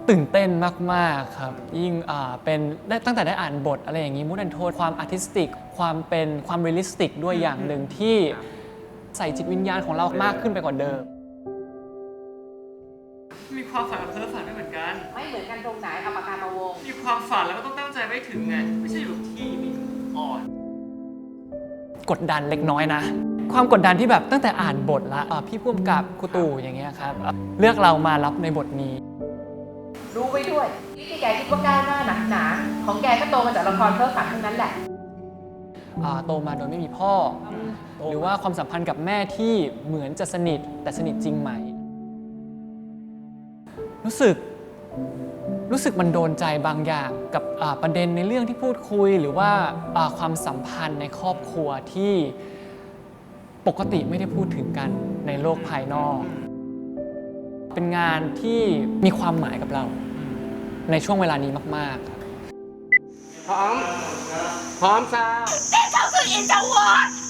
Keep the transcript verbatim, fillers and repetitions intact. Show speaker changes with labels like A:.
A: ตื่นเต้นมากๆครับยิ่งเป็นได้ตั้งแต่ได้อ่านบทอะไรอย่างนี้มูดแอนโทนความอาร์ติสติกความเป็นความเรียลลิสติกด้วยอย่างหนึ่งที่ใส่จิตวิญญาณของเรามากขึ้นไปกว่าเดิม
B: มีความฝันกับเธอฝันไม่เหมือนกัน
C: ไม่เหมือนกันตรงไหนเอาปากกามาวง
B: มีความฝันแล้วก็ต้องตั้งใจไปถึงไงไม่ใช่อยู่ที่มีอ่อน
A: กดดันเล็กน้อยนะความกดดันที่แบบตั้งแต่อ่านบทละพี่พุ่มกับครูตู่อย่างเงี้ยครับเลือกเรามารับในบทนี้
C: รู้ไว้ด้วยที่แกคิดว่าก้าวหน้าหนักหนาของแกก็โตมาจากละครเพ้อฝันทั้งนั้นแหละ
A: โตมาโดยไม่มีพ่อหรือว่าความสัมพันธ์กับแม่ที่เหมือนจะสนิทแต่สนิทจริงไหมรู้สึกรู้สึกมันโดนใจบางอย่างกับประเด็นในเรื่องที่พูดคุยหรือว่าความสัมพันธ์ในครอบครัวที่ปกติไม่ได้พูดถึงกันในโลกภายนอกเป็นงานที่มีความหมายกับเราในช่วงเวลานี้มากๆ
D: พร้อมพร้อมซาว
E: 这就是你的我